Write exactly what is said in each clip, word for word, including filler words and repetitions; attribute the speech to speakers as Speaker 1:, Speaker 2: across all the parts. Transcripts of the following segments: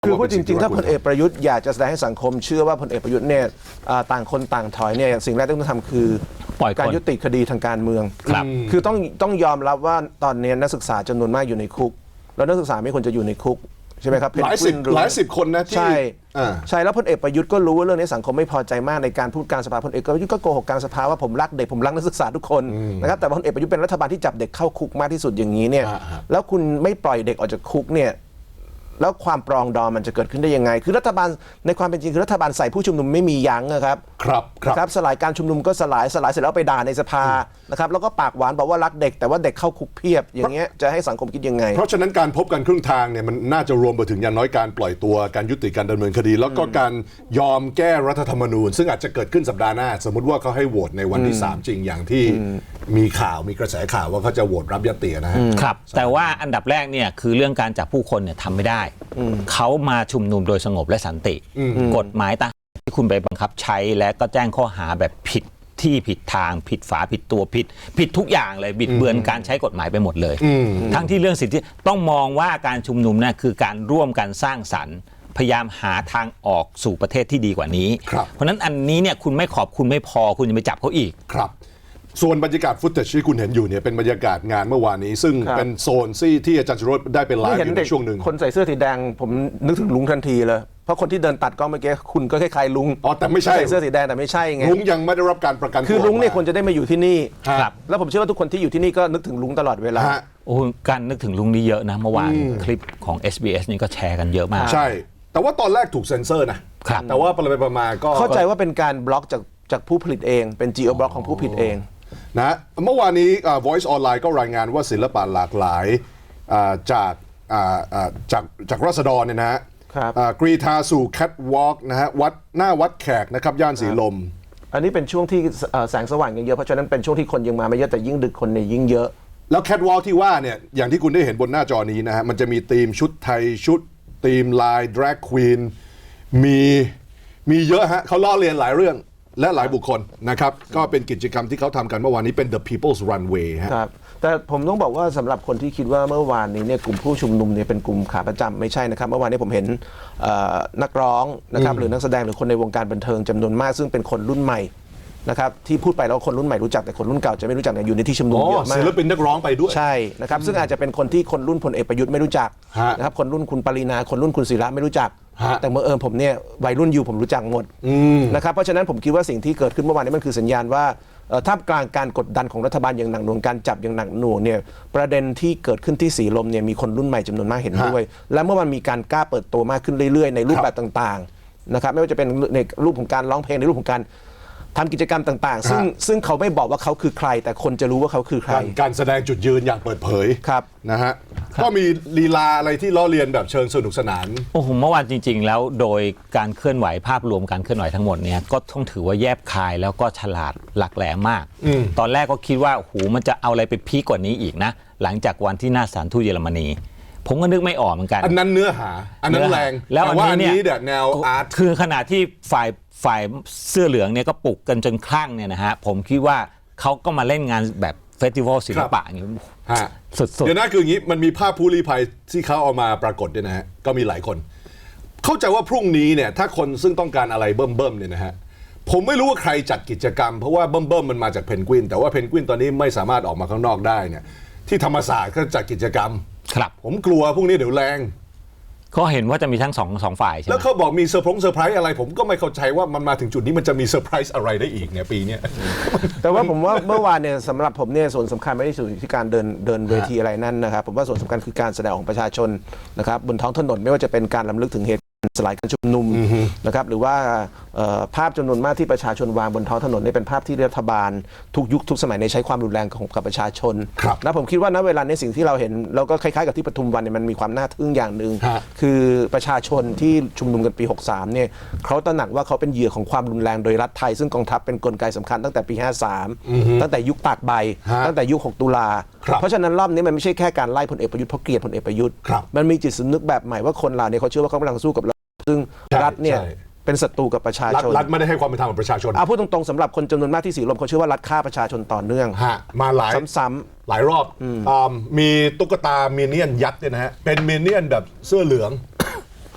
Speaker 1: คือพูดจริงๆถ้าพลเอกประยุทธ์อยากจะแสดงให้สังคมเชื่อว่าพลเอกประยุทธ์เนี่ยต่างคนต่างถอยเนี่ยสิ่งแรกที่ต้องทำคือการยุติคดีทางการเมืองคือต้องต้องยอมรับว่าตอนนี้นักศึกษาจำนวนมากอยู่ในคุกแล้วนักศึกษาไม่ควรจะอยู่ในคุกใช่ไหมครับ
Speaker 2: หลายสิบหลายสิบคนนะที่
Speaker 1: ใช่ใช่แล้วพลเอกประยุทธ์ก็รู้ว่าเรื่องนี้สังคมไม่พอใจมากในการพูดกลางสภาพลเอกประยุทธ์ก็โกหกกลางสภาว่าผมรักเด็กผมรักนักศึกษาทุกคนนะครับแต่พลเอกประยุทธ์เป็นรัฐบาลที่จับเด็กเข้าคุกมากที่สุดอย่างนี้เนี่ยแล้วคุณไม่ปล่อยเด็กออกจากคุกเนี่ยแล้วความปรองดองมันจะเกิดขึ้นได้ยังไงคือรัฐบาลในความเป็นจริงคือรัฐบาลใส่ผู้ชุมนุมไม่มียั้งนะครับ
Speaker 2: ครับ
Speaker 1: ครับสลายการชุมนุมก็สลายสลายเสร็จแล้วไปด่าในสภานะครับแล้วก็ปากหวานบอกว่ารักเด็กแต่ว่าเด็กเข้าคุกเพียบอย่างเงี้ยจะให้สังคมคิดยังไง
Speaker 2: เพราะฉะนั้นการพบกันครึ่งทางเนี่ยมันน่าจะรวมไปถึงอย่างน้อยการปล่อยตัวการยุติการดำเนินคดี แล้วก็การยอมแก้รัฐธรรมนูญซึ่งอาจจะเกิดขึ้นสัปดาห์หน้าสมมติว่าเขาให้โหวตในวันที่สามจริงอย่างที่มีข่าวมีกระแสข่าวว่าเขาจะโหวตรับยตินะฮะ
Speaker 3: ครับแต่ว่าอันดับแรกเนี่ยคือเรื่องการจับผู้คนเนี่ยทำไม่ได้เขามาชุมนุมโดยสงบและสันติกฎหมายต่างที่คุณไปบังคับใช้และก็แจ้งข้อหาแบบผิดที่ผิดทางผิดฝาผิดตัวผิดผิดทุกอย่างเลยบิดเบือนการใช้กฎหมายไปหมดเลยทั้งที่เรื่องสิทธิต้องมองว่าการชุมนุมเนี่ยคือการร่วมกันสร้างสรรค์พยายามหาทางออกสู่ประเทศที่ดีกว่านี้เพราะนั้นอันนี้เนี่ยคุณไม่ขอบคุณไม่พอคุณจะไปจับเขาอีก
Speaker 2: ครับส่วนบรรยากาศฟุตเทจที่คุณเห็นอยู่เนี่ยเป็นบรรยากาศงานเมื่อวานนี้ซึ่งเป็นโซนที่ที่อาจารย์ชโรจน์ได้เป็นไลฟ์อยู่ในช่วงหนึ่ง
Speaker 1: คนใส่เสื้อสีแดงผมนึกถึงลุงทันทีเลยเพราะคนที่เดินตัดกล้องเมื่อกี้คุณก็คล้ายๆลุง
Speaker 2: อ๋อแต่ไม่ใช่
Speaker 1: ใส่เสื้อสีแดงแต่ไม่ใช่ไง
Speaker 2: ลุงยังไม่ได้รับการประกันตัว
Speaker 1: คือลุงเนี่ยควรจะได้มาอยู่ที่นี่ครับแล้วผมเชื่อว่าทุกคนที่อยู่ที่นี่ก็นึกถึงลุงตลอดเวลา
Speaker 3: โอ้การนึกถึงลุงนี่เยอะนะเมื่อวานคลิปของ เอส บี เอส นี่ก็แชร์กันเยอะมาก
Speaker 2: ใช่แต่ว่าตอนแรกถูกเซ็นเซอร์นะแต่ว่าไปไปมาก็
Speaker 1: เข้าใจว่าเป็นการบล็อกจากจากผู้ผลิตเองเป็น Geo Block ของผู้ผลิตเอง
Speaker 2: นะเมื่อวานนี้ Voice Online ก็รายงานว่าศิลปะหลากหลายจากจากจากราษฎรเนี่ยนะฮะกรีธาสู่แคทวอล์กนะฮะวัดหน้าวัดแขกนะครับย่านสีลม
Speaker 1: อันนี้เป็นช่วงที่แสงสว่างยังเยอะเพราะฉะนั้นเป็นช่วงที่คนยังมาไม่เยอะแต่ยิ่งดึกคนเนี่ยยิ่งเยอะ
Speaker 2: แล้วแคทวอล์กที่ว่าเนี่ยอย่างที่คุณได้เห็นบนหน้าจอนี้นะฮะมันจะมีธีมชุดไทยชุดธีมลายดราควีนมีมีเยอะฮะเขาล้อเลียนหลายเรื่องและหลายบุคคลนะครับก็เป็นกิจกรรมที่เขาทำกันเมื่อวานนี้เป็น The People's Runway
Speaker 1: ครับแต่ผมต้องบอกว่าสำหรับคนที่คิดว่าเมื่อวานนี้เนี่ยกลุ่มผู้ชุมนุมเนี่ยเป็นกลุ่มขาประจำไม่ใช่นะครับเมื่อวานนี้ผมเห็นนักร้องนะครับหรือนักแสดงหรือคนในวงการบันเทิงจำนวนมากซึ่งเป็นคนรุ่นใหม่นะครับที่พูดไปแล้วคนรุ่นใหม่รู้จักแต่คนรุ่นเก่าจะไม่รู้จักเนี่ยอยู่ในที่ชุมนุมเยอะมาก
Speaker 2: ศิลปินนักร้องไปด้วย
Speaker 1: ใช่นะครับซึ่งอาจจะเป็นคนที่คนรุ่นพลเอกประยุทธ์ไม่รู้จักนะครับคนรุ่นคุณปรินาคนรุ่นคุณศิระไม่รู้จักแต่เมื่อเอิญผมเนี่ยวัยรุ่นอยู่ผมรู้จักหมดนะครับเพราะฉะนั้นผมคิดว่าสิ่งที่เกิดขึ้นเมื่อวานนี้มันคือสัญญาณว่าท่ามกลางการกดดันของรัฐบาลอย่างหนักหน่วงการจับอย่างหนักหน่วงเนี่ยประเด็นที่เกิดขึ้นที่สีลมเนี่ยมีคนรุ่นใหม่จำนวนมากเห็นด้วยและเมื่อมันมีการกล้าเปิดตัวมากขึ้นเรื่อยๆในรูปแบบต่างๆนะครับไม่ว่าจะเป็นในรูปของการร้องเพลงในรูปของการทำกิจกรรมต่างๆซึ่งซึ่งเขาไม่บอกว่าเขาคือใครแต่คนจะรู้ว่าเขาคือใคร
Speaker 2: การแสดงจุดยืนอย่างเปิดเผย
Speaker 1: ครับ
Speaker 2: นะฮะก็มีลีลาอะไรที่ล้อเลียนแบบเชิงสนุกสนาน
Speaker 3: โอ้โหเมื่อวานจริงๆแล้วโดยการเคลื่อนไหวภาพรวมการเคลื่อนไหวทั้งหมดเนี่ยก็ต้องถือว่าแยบคายแล้วก็ฉลาดหลักแหลมมากตอนแรกก็คิดว่าโอ้โหมันจะเอาอะไรไปพีกกว่านี้อีกนะหลังจากวันที่หน้าศาลทูตเยอรมนีผมก็นึกไม่ออกเหมือนกัน
Speaker 2: อันนั้นเนื้อหาอันนั้นแรง
Speaker 3: แล้ว
Speaker 2: อันนี้เนี่ยแนวอาร์ต
Speaker 3: คือขณะที่ฝ่ายฝ่ายเสื้อเหลืองเนี่ยก็ปลุกกันจนคลั่งเนี่ยนะฮะผมคิดว่าเขาก็มาเล่นงานแบบเฟสติวัลศิลปะอย่างนี้
Speaker 2: สุดๆเดี๋ยวนะคืออย่างนี้มันมีภาพผู้ลี้ภัยที่เขาเอามาปรากฏด้วยนะฮะก็มีหลายคนเข้าใจว่าพรุ่งนี้เนี่ยถ้าคนซึ่งต้องการอะไรเบิ่มๆเนี่ยนะฮะผมไม่รู้ว่าใครจัดกิจกรรมเพราะว่าเบิ่มๆมันมาจากเพนกวินแต่ว่าเพนกวินตอนนี้ไม่สามารถออกมาข้างนอกได้เนี่ยที่ธรรมศาสตร์ก็จัดกิจกรรม
Speaker 3: ครับ
Speaker 2: ผมกลัวพรุ่งนี้เดี๋ยวแรง
Speaker 3: เขาเห็นว่าจะมีทั้งสองสองฝ่ายใช่ไหม
Speaker 2: แล้วเขาบอกมีเซอร์พงเซอร์ไพรส์อะไรผมก็ไม่เข้าใจว่ามันมาถึงจุดนี้มันจะมีเซอร์ไพรส์อะไรได้อีกเนี่ยปีนี้
Speaker 1: แต่ว่าผมว่าเมื่อวานเนี่ยสำหรับผมเนี่ยส่วนสำคัญไม่ได้อยู่ที่การเดินเดินเวทีอะไรนั่นนะครับผมว่าส่วนสำคัญคือการแสดงของประชาชนนะครับบนท้องถนนไม่ว่าจะเป็นการรำลึกถึงเหตุสลายการชุมนุมนะครับหรือว่าภาพจำนวนมากที่ประชาชนวางบนท้องถนนนี่เป็นภาพที่รัฐบาลทุกยุคทุกสมัยในใช้ความรุนแรงของกับประชาชนนะผมคิดว่าณเวลาในสิ่งที่เราเห็นเราก็คล้ายๆกับที่ปทุมวันเนี่ยมันมีความน่าทึ่งอย่างหนึ่งคือประชาชนที่ชุมนุมกันปีหกสามเนี่ยเขาตระหนักว่าเขาเป็นเหยื่อของความรุนแรงโดยรัฐไทยซึ่งกองทัพเป็นกลไกสำคัญตั้งแต่ปีห้าสามตั้งแต่ยุคตากใบตั้งแต่ยุคหกตุลาเพราะฉะนั้นรอบนี้มันไม่ใช่แค่การไล่พลเอกประยุทธ์เพราะเกลียดพลเอกประยุทธ์มันมีจิตสำนึกแบบใหม่ว่าคนเราเนี่ยเขาเชื่อว่าเขากำลังสู้กับซึ่งรัฐเนี่ยเป็นศัตรูกับประชาชน
Speaker 2: รัฐไม่ได้ให้ความเป็นธรรมกับประชาชน
Speaker 1: เอาพูดตรงๆสำหรับคนจำนวนมากที่สีลมเขาเชื่อว่ารัฐฆ่าประชาชนต่อเนื่อง
Speaker 2: มาหลาย
Speaker 1: ซ้ำ
Speaker 2: ๆหลายรอบมีตุ๊กตามินเนี่ยนยักษ์เนี่ยนะฮะเป็นมินเนี่ยนแบบเสื้อเหลือง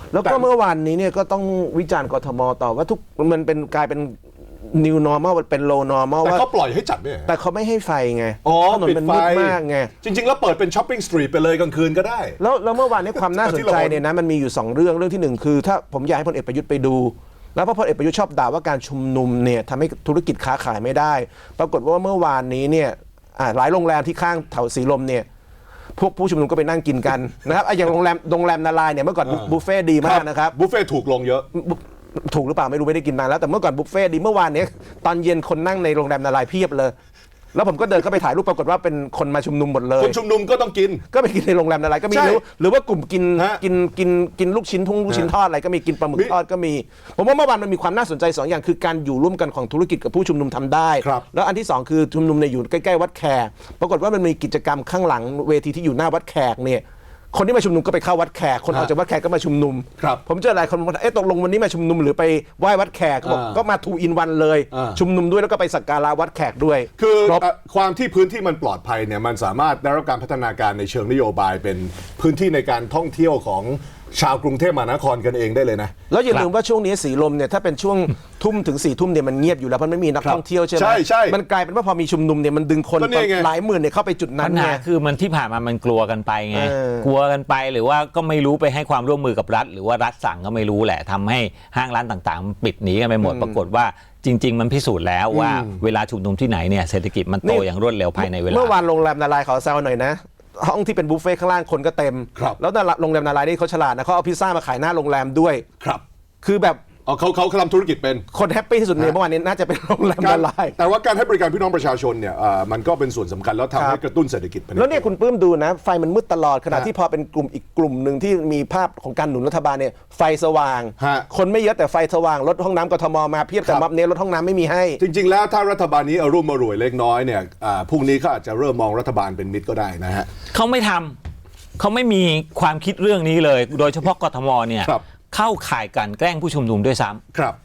Speaker 1: แล้วก็เมื่อวานนี้เนี่ยก็ต้องวิจารณ์กทมต่อว่าทุกมันเป็นกลายเป็น new normal เป็น low normal
Speaker 2: แต่
Speaker 1: ว่า
Speaker 2: เขาปล่อยให้จัดไหม
Speaker 1: แต่เขาไม่ให้ไฟไง
Speaker 2: อ๋อ
Speaker 1: ถนน
Speaker 2: ปิด
Speaker 1: มัน
Speaker 2: ไฟ
Speaker 1: มืดมากไง
Speaker 2: จริง ๆ แล้วเปิดเป็นช้อปปิ้งสตรีทไปเลยกลางคืนก็ได้
Speaker 1: แล้วแล้วเมื่อวานนี้ความน่าสนใจ
Speaker 2: ที่เรา
Speaker 1: เนี่ยนะมันมีอยู่สองเรื่องเรื่องที่หนึ่งคือถ้าผมอยากให้พลเอกประยุทธ์ไปดู แล้วเพราะพลเอกประยุทธ์ชอบด่าว่าการชุมนุมเนี่ยทำให้ธุรกิจค้าขายไม่ได้ ปรากฏว่าเมื่อวานนี้เนี่ยอ่าหลายโรงแรมที่ข้างแถวสีลมเนี่ยพวกผู้ชุมนุมก็ไปนั่งกินกันนะครับอ่ะอย่างโรงแรมโรงแรมนาลายเนี่ยเมื่อก่อนบุฟเฟ่ต์ดีมากนะครับ
Speaker 2: บุฟเฟ่ถูกลงเยอะ
Speaker 1: ถูกหรือเปล่าไม่รู้ไม่ได้กินนานแล้วแต่เมื่อก่อนบุฟเฟ่ต์ดีเมื่อวานเนี้ยตอนเย็นคนนั่งในโรงแรมนาลายเพียบเลย แล้วผมก็เดินเข้าไปถ่ายรูปปรากฏว่าเป็นคนมาชุมนุมหมดเลย
Speaker 2: คนชุมนุมก็ต้องกิน
Speaker 1: ก็ไปกินในโรงแรมนาลายก็มี
Speaker 2: ใช่
Speaker 1: หรือหรือว่ากลุ่มกิน
Speaker 2: ฮะ
Speaker 1: กินกินกินลูกชิ้นทุ่งลูกชิ้นทอดอะไรก็มีกินปลาหมึก
Speaker 2: มี
Speaker 1: ทอดก็มี ผมว่าเมื่อวานมันมีความน่าสนใจสองอย่างคือการอยู่ร่วมกันของธุรกิจกับผู้ชุมนุมทำได้
Speaker 2: ครับ
Speaker 1: แล้วอันที่สองคือชุมนุมในยอยู่ใกล้ๆวัดแขกปรากฏว่ามันมีกิจกรรมข้างหลังเวทีที่อยู่หน้าวัดแขกเนี่ยคนที่มาชุมนุมก็ไปเข้าวัดแขกคนออกจากวัดแขกก็มาชุมนุม
Speaker 2: ครับ
Speaker 1: ผมเจอหลายคนบอกว่าเอ๊ะตกลงวันนี้มาชุมนุมหรือไปไหว้วัดแขกก็บอก
Speaker 2: อ่า
Speaker 1: ก็มาทูอินวันเลย
Speaker 2: อ่า
Speaker 1: ชุมนุมด้วยแล้วก็ไปสักการะวัดแขกด้วย
Speaker 2: คือ
Speaker 1: ครบ
Speaker 2: เอ่อความที่พื้นที่มันปลอดภัยเนี่ยมันสามารถได้รับการพัฒนาการในเชิงนโยบายเป็นพื้นที่ในการท่องเที่ยวของชาวกรุงเทพมหานครกันเองได้เลยนะ
Speaker 1: แล้วอย่าลืมว่าช่วงนี้สีลมเนี่ยถ้าเป็นช่วง ทุ่มถึงสี่ทุ่มเนี่ยมันเงียบอยู่แล้วเพราะไม่มีนัก
Speaker 2: ครับ
Speaker 1: ท่องเที่ยวใช่ไหม
Speaker 2: ใช่ใช่
Speaker 1: มันกลายเป็นว่าพอมีชุมนุมเนี่ยมันดึงคน
Speaker 2: ก็นี่ไง
Speaker 1: หลายหมื่นเนี่ยเข้าไปจุดนั้
Speaker 3: ปั
Speaker 1: น
Speaker 3: ญ
Speaker 1: ไง
Speaker 3: หาคือมันที่ผ่านมามันกลัวกันไปไง
Speaker 1: เออ
Speaker 3: กลัวกันไปหรือว่าก็ไม่รู้ไปให้ความร่วมมือกับรัฐ หรือว่ารัฐสั่งก็ไม่รู้แหละทำให้ห้างร้านต่างๆมันปิดหนีกันไปหมด ปรากฏว่าจริง ๆ มันพิสูจน์แล้วว่าเวลาชุมนุมที่ไหนเนี่ยเศรษฐกิจมันโตอย่างรวดเร็วภายในเวลา
Speaker 1: เมื่อวานโรงแรมนาลายขอแซวหน่อยนะ ห้องที่เป็นบุฟเฟ่ต์ข้างล่างคนก็เต็ม
Speaker 2: ครับ
Speaker 1: แล้วนาลาโรงแรมนาลายนี่เขาฉลาดนะเขาเอาพิซซ่ามาขายหน้าโรงแรมด้วย
Speaker 2: ครับ
Speaker 1: คือแบบ
Speaker 2: อ๋อเขาเขาทำธุรกิจเป็น
Speaker 1: คนแฮปปี้ที่สุดในเมื่อวานนี้น่าจะเป็นโรงแรม
Speaker 2: การ
Speaker 1: นาลาย
Speaker 2: แต่ว่าการให้บริการพี่น้องประชาชนเนี่ยเอ่อมันก็เป็นส่วนสำคัญแล้วทำ
Speaker 1: ค
Speaker 2: ให้
Speaker 1: รับ
Speaker 2: กระตุ้นเศรษฐกิจไปใ
Speaker 1: แล้วเนี่ยคุณปลื้มดูนะ ไฟมันมืดตลอดขณะ
Speaker 2: ฮะ
Speaker 1: ที่พอเป็นกลุ่มอีกกลุ่มหนึ่งที่มีภาพของการหนุนรัฐบาลเนี่ยไฟสว่าง
Speaker 2: ฮะ
Speaker 1: คนไม่เยอะแต่ไฟสว่างรถห้องน้ำกทมมาเพียบแต่
Speaker 2: ครับ
Speaker 1: ม็อบเนี้ยรถห้องน้ำไม่มีให้
Speaker 2: จริง ๆ แล้วถ้ารัฐบาลนี้อารมณ์มารวยเล็กน้อยเนี่ยอ่าพรุ่งนี้เขาอาจจะเริ่มมองรัฐบาลเป็นมิตรก็ได้นะฮะ
Speaker 3: เขาไม่ทำเขาไม่มีความคิดเรื่องนี้เลย โดยเฉพาะกทมเนี่ย
Speaker 2: ครับ
Speaker 3: เข้าข่ายกลันแกล้งผู้ชุมนุมด้วยซ้ำ
Speaker 2: ครับ